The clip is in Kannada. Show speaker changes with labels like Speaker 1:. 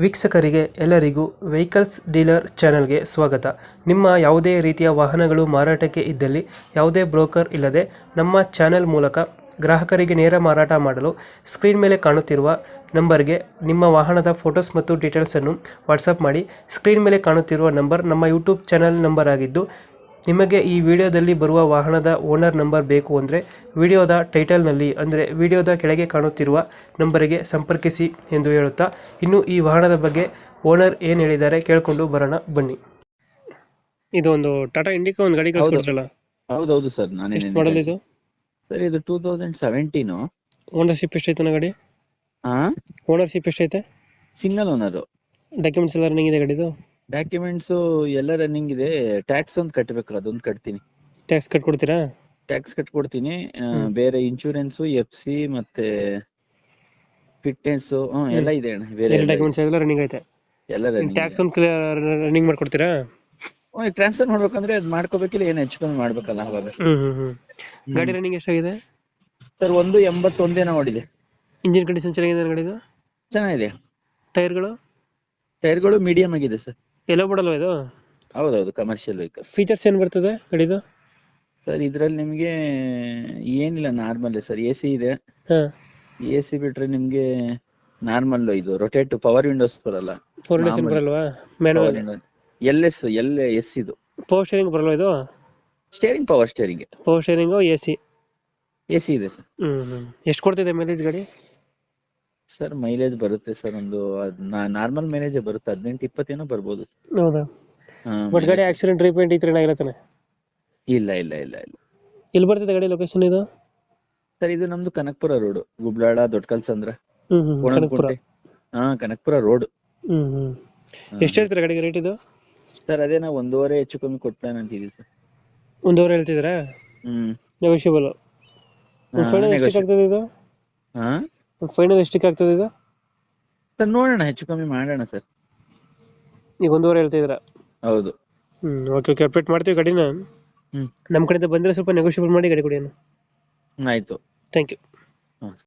Speaker 1: ವೀಕ್ಷಕರಿಗೆ ಎಲ್ಲರಿಗೂ ವೆಹಿಕಲ್ಸ್ ಡೀಲರ್ ಚಾನೆಲ್ಗೆ ಸ್ವಾಗತ. ನಿಮ್ಮ ಯಾವುದೇ ರೀತಿಯ ವಾಹನಗಳು ಮಾರಾಟಕ್ಕೆ ಇದ್ದಲ್ಲಿ ಯಾವುದೇ ಬ್ರೋಕರ್ ಇಲ್ಲದೆ ನಮ್ಮ ಚಾನೆಲ್ ಮೂಲಕ ಗ್ರಾಹಕರಿಗೆ ನೇರ ಮಾರಾಟ ಮಾಡಲು ಸ್ಕ್ರೀನ್ ಮೇಲೆ ಕಾಣುತ್ತಿರುವ ನಂಬರ್ಗೆ ನಿಮ್ಮ ವಾಹನದ ಫೋಟೋಸ್ ಮತ್ತು ಡೀಟೇಲ್ಸನ್ನು ವಾಟ್ಸಪ್ ಮಾಡಿ. ಸ್ಕ್ರೀನ್ ಮೇಲೆ ಕಾಣುತ್ತಿರುವ ನಂಬರ್ ನಮ್ಮ ಯೂಟ್ಯೂಬ್ ಚಾನೆಲ್ ನಂಬರ್ ಆಗಿದ್ದು, ನಿಮಗೆ ಈ ವಿಡಿಯೋದಲ್ಲಿ ಬರುವ ವಾಹನದ ಓನರ್ ನಂಬರ್ ಬೇಕು ಅಂದರೆ ವಿಡಿಯೋದ ಟೈಟಲ್ನಲ್ಲಿ ಅಂದರೆ ವಿಡಿಯೋದ ಕೆಳಗೆ ಕಾಣುತ್ತಿರುವ ನಂಬರಿಗೆ ಸಂಪರ್ಕಿಸಿ ಎಂದು ಹೇಳುತ್ತಾ, ಇನ್ನು ಈ ವಾಹನದ ಬಗ್ಗೆ ಓನರ್ ಏನು ಹೇಳಿದ್ದಾರೆ ಕೇಳಿಕೊಂಡು ಬರೋಣ ಬನ್ನಿ. ಇದು ಒಂದು ಟಾಟಾ ಇಂಡಿಕಾ ಒಂದು ಗಾಡಿ ಕಳಿಸ್ಕೊಡ್ರಲ್ಲ.
Speaker 2: ಹೌದೌದು ಸರ್,
Speaker 1: ಎಷ್ಟು ಮಾಡಲ್ ಇದು?
Speaker 2: ಸರ್ ಇದು 2017.
Speaker 1: ಓನರ್ಶಿಪ್ ಎಷ್ಟೈತೆ ಗಾಡಿ? ಓನರ್ಶಿಪ್ ಎಷ್ಟೈತೆ?
Speaker 2: Single owner.
Speaker 1: ಡಾಕ್ಯುಮೆಂಟ್ಸ್ ಎಲ್ಲ ರನ್ನಿಂಗ್ ಇದೆ ಗಾಡಿದು?
Speaker 2: ಡಾಕ್ಯುಮೆಂಟ್ಸ್ ಎಲ್ಲ ರನ್ನಿಂಗ್ ಇದೆ. ಟ್ಯಾಕ್ಸ್ ಒಂದು ಕಟ್ಟಬೇಕು, ಅದೊಂದು ಕಟ್ತೀನಿ.
Speaker 1: ಟ್ಯಾಕ್ಸ್ ಕಟ್ಕೊಡ್ತೀರಾ?
Speaker 2: ಟ್ಯಾಕ್ಸ್ ಕಟ್ಕೊಡ್ತೀನಿ. ಬೇರೆ ಇನ್ಶೂರೆನ್ಸ್, FC ಮತ್ತೆ ಫಿಟ್ನೆಸ್ ಎಲ್ಲ ಇದೆ ಅಣ್ಣ. ಬೇರೆ
Speaker 1: ಡಾಕ್ಯುಮೆಂಟ್ಸ್ ಎಲ್ಲ ರನ್ನಿಂಗ್ ಐತೆ.
Speaker 2: ಎಲ್ಲ ರನ್ನಿಂಗ್.
Speaker 1: ಟ್ಯಾಕ್ಸ್ ಒಂದು ರನ್ನಿಂಗ್ ಮಾಡ್ಕೊಡ್ತೀರಾ?
Speaker 2: ಟ್ರಾನ್ಸ್ಫರ್ ಮಾಡ್ಬೇಕಂದ್ರೆ ಅದು ಮಾಡ್ಕೋಬೇಕಿಲ್ಲ, ಏನು ಹೆಚ್ಚು ಕಮ್ಮಿ ಮಾಡ್ಬೇಕಲ್ಲ ಅವಾಗ.
Speaker 1: ಗಾಡಿ ರನ್ನಿಂಗ್ ಎಷ್ಟಾಗಿದೆ
Speaker 2: ಸರ್? 181 ಓಡಿದೆ.
Speaker 1: ಇಂಜಿನ್ ಕಂಡೀಷನ್ ಚೆನ್ನಾಗಿದೆ ಗಾಡಿದು?
Speaker 2: ಚೆನ್ನಾಗಿದೆ.
Speaker 1: ಟೈರ್ಗಳು
Speaker 2: ಮೀಡಿಯಂ ಆಗಿದೆ ಸರ್.
Speaker 1: ಎಲ್ಲೋ ಬಿಡಲ್ವಾ ಇದು?
Speaker 2: ಹೌದೌದು, ಕಮರ್ಷಿಯಲ್ ವೆಹಿಕಲ್.
Speaker 1: ಫೀಚರ್ಸ್ ಏನ್ ಬರ್ತದೆ ಗಾಡಿದು?
Speaker 2: ಸರ್ ಇದ್ರಲ್ಲಿ ನಿಮ್ಗೆ ಏನಿಲ್ಲ, ನಾರ್ಮಲ್ ಸರ್. AC ಇದೆ. AC ಬಿಟ್ರೆ ನಿಮ್ಗೆ ನಾರ್ಮಲ್ ಇದು ರೊಟೇಟ್ ಪವರ್ ವಿಂಡೋಸ್ ಬರಲ್ಲ.
Speaker 1: ಬರಲ್ವಾ? ಮ್ಯಾನುವಲ್
Speaker 2: LS ಇದು.
Speaker 1: ಪವರ್ ಸ್ಟೇರಿಂಗ್ ಬರಲ್ವಾ ಇದು?
Speaker 2: Steering power steering.
Speaker 1: Power steering AC
Speaker 2: ಇದೆ ಸರ್.
Speaker 1: ಎಷ್ಟು ಕೊಡ್ತಿದೆ ಮೈಲೇಜ್ ಗಾಡಿ?
Speaker 2: ಸರ್ ಮೈಲೇಜ್ ಬರುತ್ತೆ ಸರ್, ಒಂದು ನಾರ್ಮಲ್ ಮೈಲೇಜ್ ಬರುತ್ತೆ, 18-20 ಏನೋ ಬರ್ಬೋದು.
Speaker 1: ಹೌದಾ? ಬಟ್ ಗಾಡಿ ಆಕ್ಸಿಡೆಂಟ್ ರೀಪೇಂಟ್ ಈ ತರ ಏನಾಗಿರತ್ತಾನೆ?
Speaker 2: ಇಲ್ಲ.
Speaker 1: ಎಲ್ಲಿ ಬರ್ತದೆ ಗಾಡಿ ಲೊಕೇಶನ್ ಇದು?
Speaker 2: ಸರ್ ಇದು ನಮ್ದು ಕನಕಪುರ ರೋಡ್, ಗುಬ್ಲಾಳ, ದೊಡ್ಡಕಲ್ಸಂದ್ರ,
Speaker 1: ಕನಕಪುರ.
Speaker 2: ಕನಕಪುರ ರೋಡ್.
Speaker 1: ಎಷ್ಟು ಹೇಳ್ತೀರಾ ಗಾಡಿಗೆ ರೇಟ್ ಇದು?
Speaker 2: ಸರ್ ಅದೇ ನಾವು 1.5 ಹೆಚ್ಚು ಕಮ್ಮಿ ಕೊಟ್ಟಾನ ಅಂತಿದೀವಿ ಸರ್.
Speaker 1: 1.5 ಹೇಳ್ತಿದ್ದೀರಾ? ನೆಗೋಷಿಯಬಲ್. ಫೈನಲ್ ಎಷ್ಟಕ್ಕೆ ಆಗ್ತದೆ ಇದು? ಫೈನಲ್ ಎಷ್ಟಕ್ಕೆ ಆಗ್ತದೆ ಇದು?
Speaker 2: ಸರ್ ನೋಡೋಣ, ಹೆಚ್ಚು ಕಮ್ಮಿ ಮಾಡೋಣ ಸರ್.
Speaker 1: ಈಗ 1.5 ಹೇಳ್ತಿದ್ದೀರಾ?
Speaker 2: ಹೌದು.
Speaker 1: ಓಕೆ, ಅಪ್ಡೇಟ್ ಮಾಡ್ತೀವಿ ಗಾಡಿನ. ನಮ್ಮ ಕಡೆಯಿಂದ ಬಂದರೆ ಸ್ವಲ್ಪ ನೆಗೋಷಿಯಬಲ್ ಮಾಡಿ ಗಾಡಿ ಕೊಡಿ.
Speaker 2: ಆಯ್ತು.
Speaker 1: Thank you.